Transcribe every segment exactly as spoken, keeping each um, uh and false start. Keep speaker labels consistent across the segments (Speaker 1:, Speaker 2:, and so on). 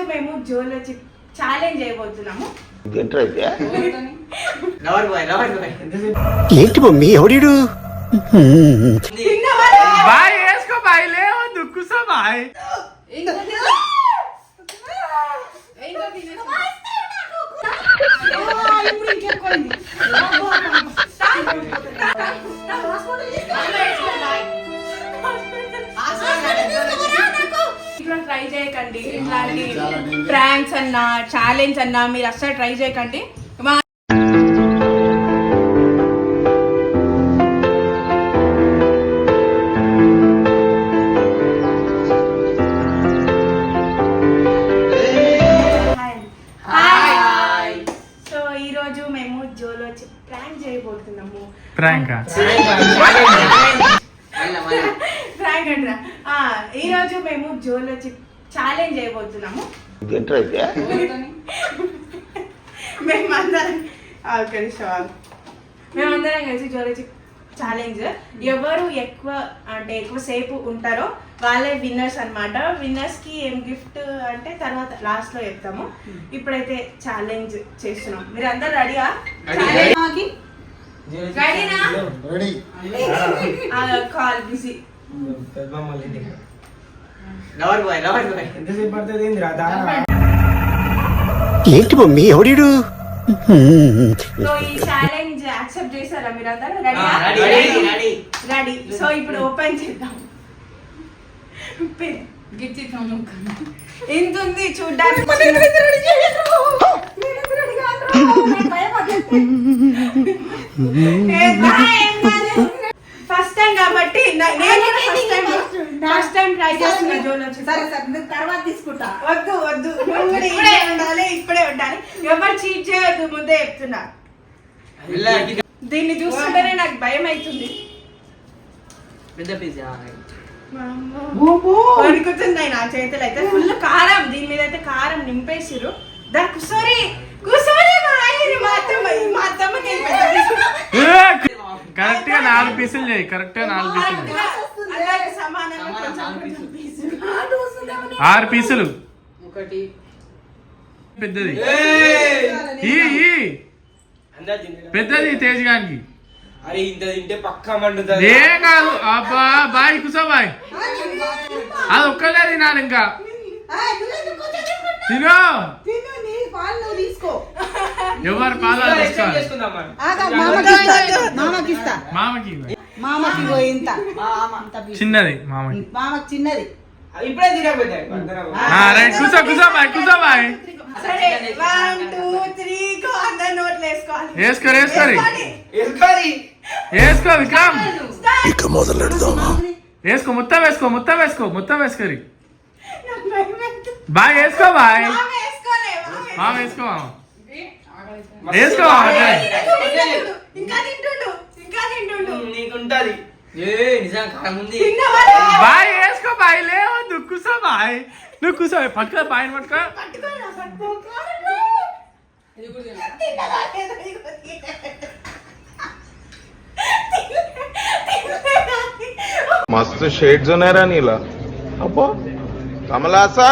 Speaker 1: మేము జోలో ఛాలెంజ్ చేయబోతున్నాము.
Speaker 2: ఏంటి మమ్మీ ఎవడు
Speaker 3: బాయ్ వేసుకో బాయ్ లేవు దుక్కుసా బాయ్
Speaker 1: ట్రై చేయకండి. ఇట్లాంటి ప్రాంక్స్ అన్నా ఛాలెంజ్ అన్నా మీరు అస్సలు ట్రై చేయకండి. సో ఈ రోజు మేము జోలో ప్రాంక్ చేయబోతున్నాము.
Speaker 3: ప్రాంక్
Speaker 1: ప్రాంక్ అంటారా? ఈ రోజు మేము జోలో ఛాలెంజ్ చేయబోతున్నాము. మేమందరం మేమందరం కలిసి జోలో ఛాలెంజ్ ఎవరు ఎక్కువ అంటే ఎక్కువ సేపు ఉంటారో వాళ్ళే విన్నర్స్ అనమాట. విన్నర్స్ కి ఏం గిఫ్ట్ అంటే తర్వాత లాస్ట్ లో చెప్తాము. ఇప్పుడైతే ఛాలెంజ్ చేస్తున్నాం. మీరు అందరు రెడీగా? Call busy.
Speaker 2: ఏంటి మమ్మీ ఎవడు
Speaker 1: సో ఈ ఛాలెంజ్ యాక్సెప్ట్ చేశారా మీరు అందరూ? Ready ready. సో ఇప్పుడు ఓపెన్ చేద్దాం. ఎంత ఉంది చూడ్డానికి. ఫస్ట్ టైం కాబట్టి ఫస్ట్ టైం ట్రై చేస్తున్నా జోలో.
Speaker 4: తర్వాత తీసుకుంటా.
Speaker 1: వద్దు వద్దు ఇప్పుడే ఉండాలి ఇప్పుడే ఉండాలి. ఎవరు చీట్ చేయొద్దు ముందే చెప్తున్నా. దీన్ని చూస్తుంటేనే నాకు భయం అవుతుంది. వణుకుతుంది నా చేతులు అయితే. ఫుల్ కారం దీని మీద అయితే కారం నింపేసిరు. దా కుసోరి కుసోరి మా అత్తమ్మ మా అత్తమ్మకి
Speaker 3: కరెక్ట్ గా నాలుగు పీసులు చేయి. కరెక్ట్ గా నాలుగు పీసులు ఆరు పీసులు.
Speaker 5: ఒకటి
Speaker 3: పెద్దది పెద్దది తేజ్ గానికి.
Speaker 5: అరే ఇంత తింటే పక్కా మండుతుంది.
Speaker 3: ఏం కాదు అబ్బా బాయ్ కుసా బాయ్. అది ఒక్కలే తినాలి ఇంకా. తినో ఎవరు పాలు మామకి
Speaker 4: మామకి ఇంత
Speaker 3: చిన్నది మామకి
Speaker 4: మామకి చిన్నది.
Speaker 5: ఇప్పుడే తినకపోతే
Speaker 3: కుసా కుసా బాయ్ కుసా బాయ్. వేసుకో వేసుకోరి వేసుకో విక్రమ్. వేసుకో మొత్తం వేసుకో మొత్తం వేసుకో మొత్తం వేసుకోరి బాయ్. వేసుకో బాయ్ మామ వేసుకో మామ వేసుకో
Speaker 5: నీకుంటది
Speaker 3: బాయ్. వేసుకో బాయ్ లేవద్దు కుసా బాయ్. నువ్వు కూసో పట్టుకో బాయ్ పట్టుకో.
Speaker 6: मस्त शेड जो नाही राणीला अप्पो कमला हसन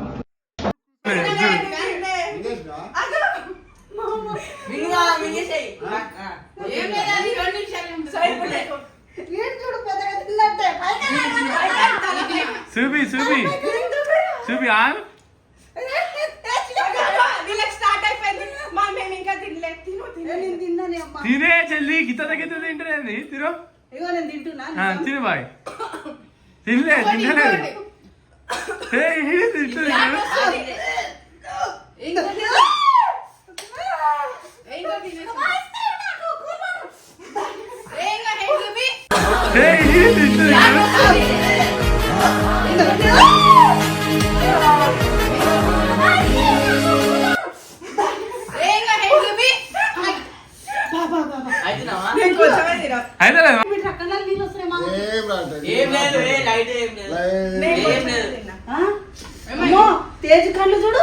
Speaker 3: చూపి చూపి చూపి ఆన్ తినే చెల్లి గిత్త గిత్త తింటేది తిరు తిను బాయ్. తినలే తింటలేదు
Speaker 4: తేజ్ కళ్ళు చూడు.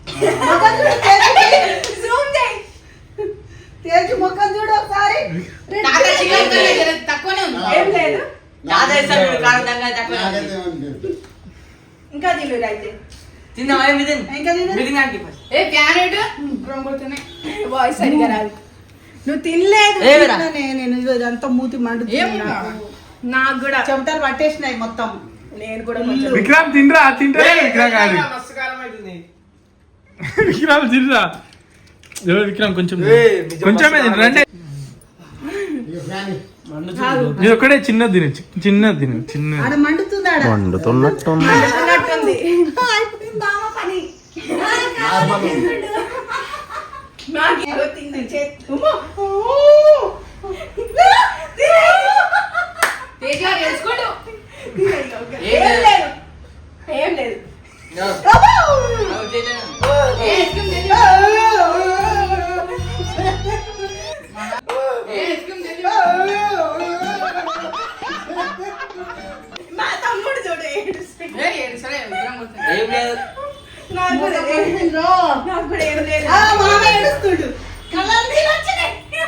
Speaker 4: తేజ్ ముఖం చూడు ఒకసారి.
Speaker 1: తక్కువనే ఉంది. ఏం లేదు ఇంకా తిను అయితే
Speaker 5: తిందామా మిథున్
Speaker 4: ఇంకా తిను.
Speaker 5: మిథున్ గారికి first.
Speaker 7: ఏ క్యారెట్ వాయిస్ సరిగా రాదు.
Speaker 1: నువ్వు తినలేదు.
Speaker 5: ఏ వేరా?
Speaker 4: తిన్నానే నేను ఇదిగో ఇదంతా మూతి మండుతుంది
Speaker 7: ఏం
Speaker 4: నాకు.
Speaker 1: నాకు కూడా
Speaker 4: చెమటలు పట్టేసినాయి మొత్తం.
Speaker 1: నేను కూడా కొంచెం
Speaker 3: విక్రమ్ తినరా తింటే విక్రమ్ కాదు
Speaker 5: మస్తు కారం అవుతుంది.
Speaker 3: విక్రమ్ తినరా ఎవరు విక్రమ్ కొంచెం
Speaker 5: ఏయ్, నిజం
Speaker 3: కొంచెమే
Speaker 5: మస్తు
Speaker 3: తినరా అంటే
Speaker 5: మండుతుంది.
Speaker 3: ఇది ఒక్కడే చిన్నది తిను చి- చిన్నది తిను చిన్న
Speaker 4: ఆడ మండుతుంది ఆడ.
Speaker 2: వండుతున్నట్టు
Speaker 1: తిన్నట్టుంది.
Speaker 4: అయిపోయింది మామ పని.
Speaker 1: నాకు ఏదో తింది చేతి. ఉమ్మా. ఓ.
Speaker 7: తేజ గారు తెలుసుకోండు.
Speaker 1: ఏం లేదు ఏం లేదు.
Speaker 5: No. No, చేయలేను.
Speaker 7: ఏ ఐస్ క్రీమ్ తెచ్చు. ఏ ఐస్ క్రీమ్ తెచ్చు.
Speaker 1: మా తమ్ముడు చూడు ఏడుస్తున్నాడు.
Speaker 7: ఏ ఏడు సరే విగ్రహం కొడుతుంది.
Speaker 5: ఏం లేదు.
Speaker 1: నాకు కూడా ఏం లేదు. నాకు కూడా ఏం లేదు.
Speaker 4: ఆ, మామ ఏడుస్తుండు. కళ్ళల్లో నీళ్ళు వచ్చినాయి.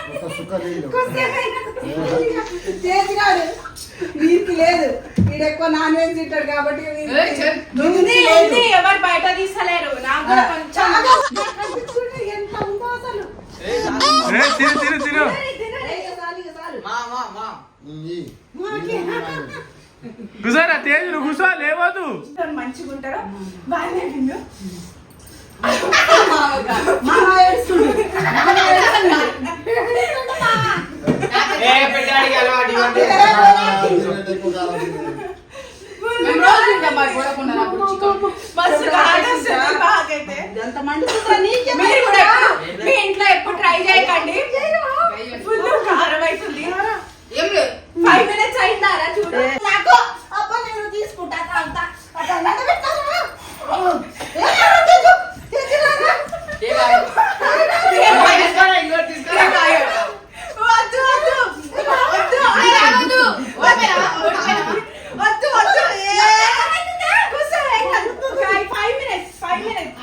Speaker 4: చేసినాడు. వీరికి లేదు. వీడు ఎక్కువ నాన్ వెజ్ తింటాడు కాబట్టి వీరికి
Speaker 7: ఏ చెల్.
Speaker 1: ఉంది ఉంది ఎవరు బయట తీసలేరు. నాకు కూడా కొంచెం
Speaker 4: చాలా కనిపిస్తుండు. ఎంత ఉందో అసలు.
Speaker 3: ఏ, తిను తిను తిను
Speaker 4: ఏ, ఇక చాలు, ఇక చాలు.
Speaker 5: మా మా మా
Speaker 3: కూర్చోరా తేజ్ నువ్వు కూర్చో లేవద్దు
Speaker 1: మంచిగా ఉంటారో బాగానే విన్ను.
Speaker 4: మామ ఏడుస్తుండు. మామ ఏడుస్తుండు.
Speaker 5: ఏ పెట్టడానికి అలవాటు ఇవ్వండి.
Speaker 7: మేము రోజు తింటాం మరి చూడకుండా నాకు చికెన్.
Speaker 1: మస్తు కాడొస్తుంది బాగైతే.
Speaker 4: ఎంత మండుతుందా నీకే?
Speaker 1: మీరు కూడా ఎప్పుడు మీ ఇంట్లో ఎప్పుడు ట్రై చేయకండి. ఫుల్ కారం అవుతుంది.
Speaker 7: ఏం లేదు.
Speaker 1: ఫైవ్ మినిట్స్ అయిందారా చూడు.
Speaker 4: నాకు అబ్బా నేను తీసుకుంటా అంతా అట్లా నడబెట్టారా? ఏ తెచ్చు, తెచ్చురారా?
Speaker 7: ఏ బాయ్.
Speaker 5: తీసుకోరా, ఇంకోటి తీసుకోరా.
Speaker 1: వద్దు వద్దు వద్దు
Speaker 7: ఏ రావద్దు. ఓపెనా ఓపెనా.
Speaker 1: వద్దు వద్దు. ఏ, కూర్చో, ఏం కాదు. ఫైవ్ మినిట్స్ ఫైవ్ మినిట్స్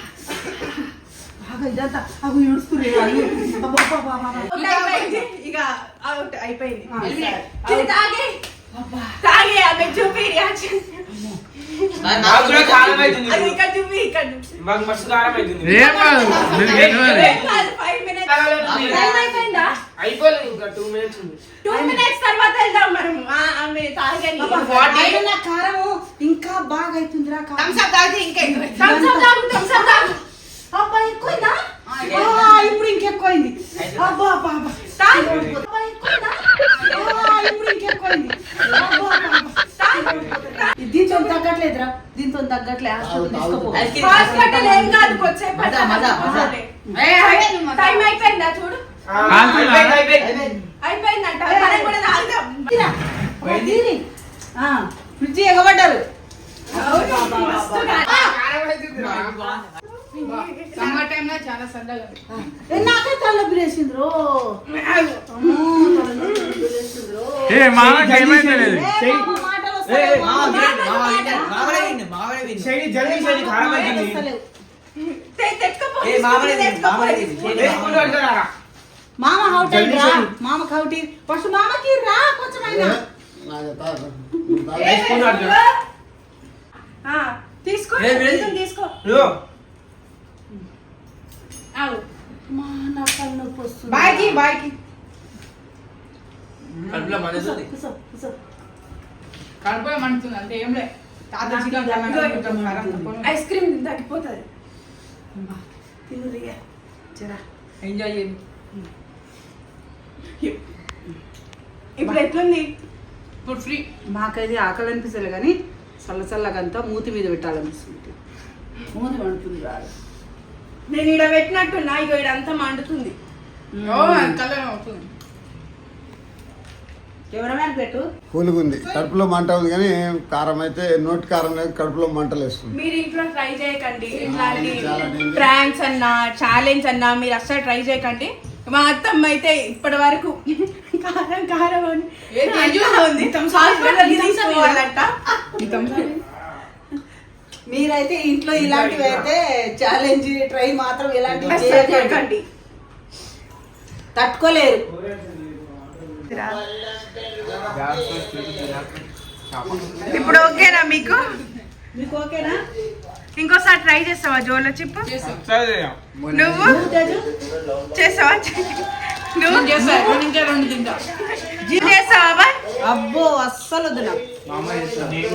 Speaker 4: బాగా ఇదంతా అవి ఏడుస్తున్నారు. అయ్యో, అబ్బా, అబ్బా, అబ్బా, అబ్బా.
Speaker 1: అయిపోయింది. ఇక అవుట్ అయిపోయింది.
Speaker 4: ఆ, సరే.
Speaker 1: ఇది తాగే తాగే ఆమె చూపి రియాక్షన్.
Speaker 5: నాకు కూడా కారం అవుతుంది.
Speaker 1: అది ఇక్కడ చూపి ఇక్కడ చూపి.
Speaker 5: మాకు మస్తు కారం అవుతుంది.
Speaker 3: ఏం కాదు నేను గెలవాలి.
Speaker 1: ఏం కాదు, ఫైవ్ మినిట్స్ టైం అయిపోయిందా?
Speaker 5: అయిపోలేదు ఇంకా టూ మినిట్స్ ఉంది.
Speaker 1: టూ మినిట్స్ తర్వాత వెళ్దాం మనం. ఆ, ఆమె తాగని.
Speaker 4: అయినా నా కారము ఇంకా బాగా అవుతుందిరా కారం.
Speaker 7: థమ్స్ అప్ తాగితే ఇంకా ఎక్కువ.
Speaker 1: థమ్స్ అప్ తాగు, థమ్స్ అప్ తాగు.
Speaker 4: అబ్బా ఎక్కువైందా?
Speaker 7: ఆ,
Speaker 4: ఆ, ఇప్పుడు ఇంకెక్కువైంది. అబ్బా అబ్బా అబ్బా.
Speaker 1: తాగు.
Speaker 4: అబ్బా ఎక్కువైందా? ఆ, ఇప్పుడు ఇంకెక్కువైంది. అబ్బా అబ్బా అబ్బా. దీంతో తగ్గట్లేదురా. దీంతో తగ్గట్లే. హాస్పిటల్ తీసుకోపో.
Speaker 5: Ice cream.
Speaker 1: హాస్పిటల్ ఏం కాదు, కొద్దిసేపు
Speaker 5: మజా, మజా, మజా.
Speaker 7: ఏ అయిపోయింది మజా.
Speaker 1: టైం అయిపోయిందా చూడు.
Speaker 5: ఆ, అయిపోయింది, అయిపోయింది.
Speaker 1: అయిపోయిందంట. మనం కూడా తాగుదాం.
Speaker 4: తీరా. అబ్బా, తీరి. ఆ, ఫ్రిడ్జ్ ఎగబడ్డారు.
Speaker 1: అవును, మస్తు గా-
Speaker 5: కారం అవుతుంది రా.
Speaker 7: సమ్మర్ టైంలో చాలా సరదాగా ఉంది.
Speaker 4: ఏ, నాకే తలనొప్పి లేచిండ్రు.
Speaker 1: ఆగు.
Speaker 4: అమ్మో, తలనొప్పి లేచిండ్రు.
Speaker 3: ఏ మామకి ఏమైతే లేదు
Speaker 4: ఏ, పాపం మాటలు వస్తలేవు.
Speaker 5: శైలి జల్దీ శైలి కారం అవుతుంది.
Speaker 4: వస్తలేవు.
Speaker 1: తె- తెచ్చుకోపో.
Speaker 5: ఏ మామనే తిను,
Speaker 1: తెచ్చుకోపో.
Speaker 5: మామనే తిను. ఏ స్పూన్ పట్టుకోరా.
Speaker 4: మామ హౌట్
Speaker 5: జల్దీ
Speaker 4: రా.
Speaker 5: చేయి.
Speaker 4: మామకి హౌట్ ఫస్ట్ మామకి రా కొంచెమైనా.
Speaker 1: ఏ,
Speaker 5: ఏ స్పూన్ పట్టుకో.
Speaker 1: ఆ, తీసుకో.
Speaker 5: ఏ, వీడు-
Speaker 1: కొంచెం తీసుకో.
Speaker 5: ఇదిగో.
Speaker 1: ఆగు.
Speaker 4: మా నా తలనొప్పి వస్తుంది.
Speaker 7: బాయ్కి బాయ్కి
Speaker 5: కడుపులో మండుతుంది.
Speaker 4: కూసో, కూసో.
Speaker 7: కడుపులో మండుతుంది అంతే ఏం లేదు. తాత చికెన్ తిన్నాను.
Speaker 1: ఐస్ క్రీమ్ తగ్గిపోతుంది.
Speaker 4: తిను రియా. జరా.
Speaker 7: ఎంజాయ్ చేయండి.
Speaker 1: ఇప్పుడు ఎట్లుంది?
Speaker 7: ఇప్పుడు ఫ్రీ.
Speaker 4: మాకైతే ఆకలి అనిపిస్తలే కానీ చల్ల చల్లగంతా మూతి మీద పెట్టాలనిపిస్తుంది. మూతి మండుతుంది రాదు.
Speaker 1: నేను ఈడ పెట్టినట్టున్నా, ఇగో ఇడంతా మండుతుంది.
Speaker 7: ఓ కలర్ అవుతుంది.
Speaker 4: కెమెరామ్యాన్ పెట్టు.
Speaker 8: కూలుగుంది కడుపులో మంట ఉంది కానీ కారం అయితే నోటి కారం లేదు కడుపులో మంటలు వేస్తుంది.
Speaker 1: మీరు ఇంట్లో ట్రై చేయకండి ఇట్లాంటి
Speaker 8: చాలా danger.
Speaker 1: ప్రాంక్స్ అన్నా ఛాలెంజ్ అన్నా మీరు అస్సలు ట్రై చేయకండి. మా అత్తమ్మ అయితే ఇప్పటి వరకు కారం కారం అని
Speaker 7: ఏ తేజు?
Speaker 1: అంటా ఉంది. హాస్పిటల్కి తీసుకోవాలంట.
Speaker 4: మీరైతే ఇంట్లో ఇలాంటివి అయితే ఛాలెంజ్ ట్రై మాత్రం ఇలాంటివి
Speaker 1: అస్సలు
Speaker 4: చేయకండి.
Speaker 1: చేయకండి.
Speaker 4: తట్టుకోలేరు.
Speaker 1: ఇప్పుడు ఓకేనా మీకు?
Speaker 4: మీకు ఓకేనా?
Speaker 1: ఇంకోసారి ట్రై చేస్తావా జోలో చిప్పు?
Speaker 7: చేస్తాం
Speaker 1: నువ్వు చేస్తావా? నువ్వు
Speaker 7: నేను చేస్తా ఎక్కడి నుంచే రెండు తింటా
Speaker 1: చేస్తావా బాయ్?
Speaker 4: అబ్బో అస్సలు వద్దు నాకు.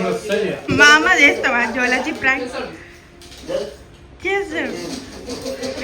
Speaker 1: మా అమ్మ చేస్తావా జోలో చిప్ ట్రై చేస్తాడు.